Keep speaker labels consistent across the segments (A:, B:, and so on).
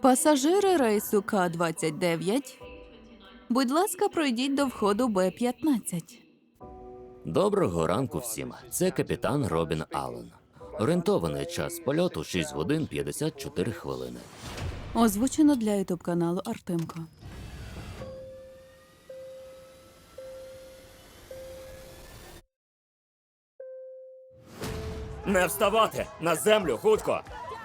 A: Пасажири рейсу К-29, будь ласка, пройдіть до входу Б-15.
B: Доброго ранку всім. Це капітан Робін Аллен. Орієнтований час польоту 6 годин 54 хвилини.
A: Озвучено для ютуб-каналу Артемко.
C: Не вставати! На землю, хутко!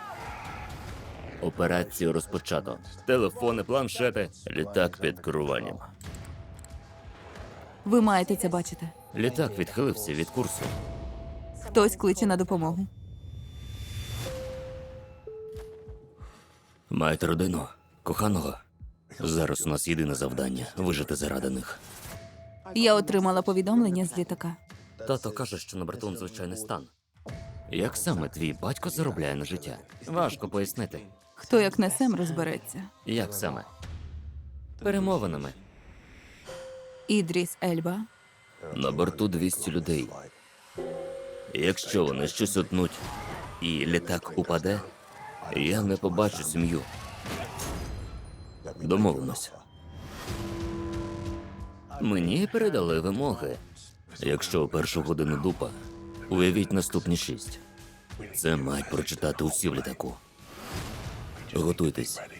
B: Операцію розпочато. Телефони, планшети, літак під керуванням.
A: Ви маєте це бачити.
B: Літак відхилився від курсу.
A: Хтось кличе на допомогу.
B: Маєте родину, коханого. Зараз у нас єдине завдання – вижити заради них.
A: Я отримала повідомлення з літака.
B: Тато каже, що на борту звичайний стан. Як саме твій батько заробляє на життя? Важко пояснити.
A: Хто як не Сем розбереться.
B: Як саме? Перемовинами.
A: Ідріс Ельба.
B: На борту 200 людей. Якщо вони щось утнуть і літак упаде, я не побачу сім'ю. Домовимося. Мені передали вимоги. Якщо у першу годину дупа, уявіть наступні 6. Це мають прочитати усі в літаку. Готуйтесь.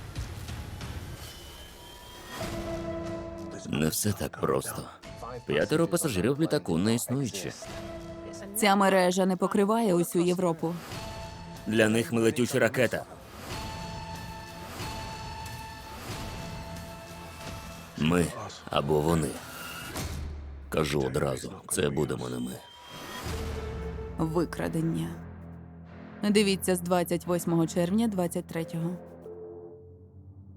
B: Не все так просто. 5 пасажирів в літаку не існуючі.
A: Ця мережа не покриває усю Європу.
B: Для них ми летюча ракета. Ми або вони. Кажу одразу, це будемо не ми.
A: Викрадення. Дивіться з 28 червня 23-го.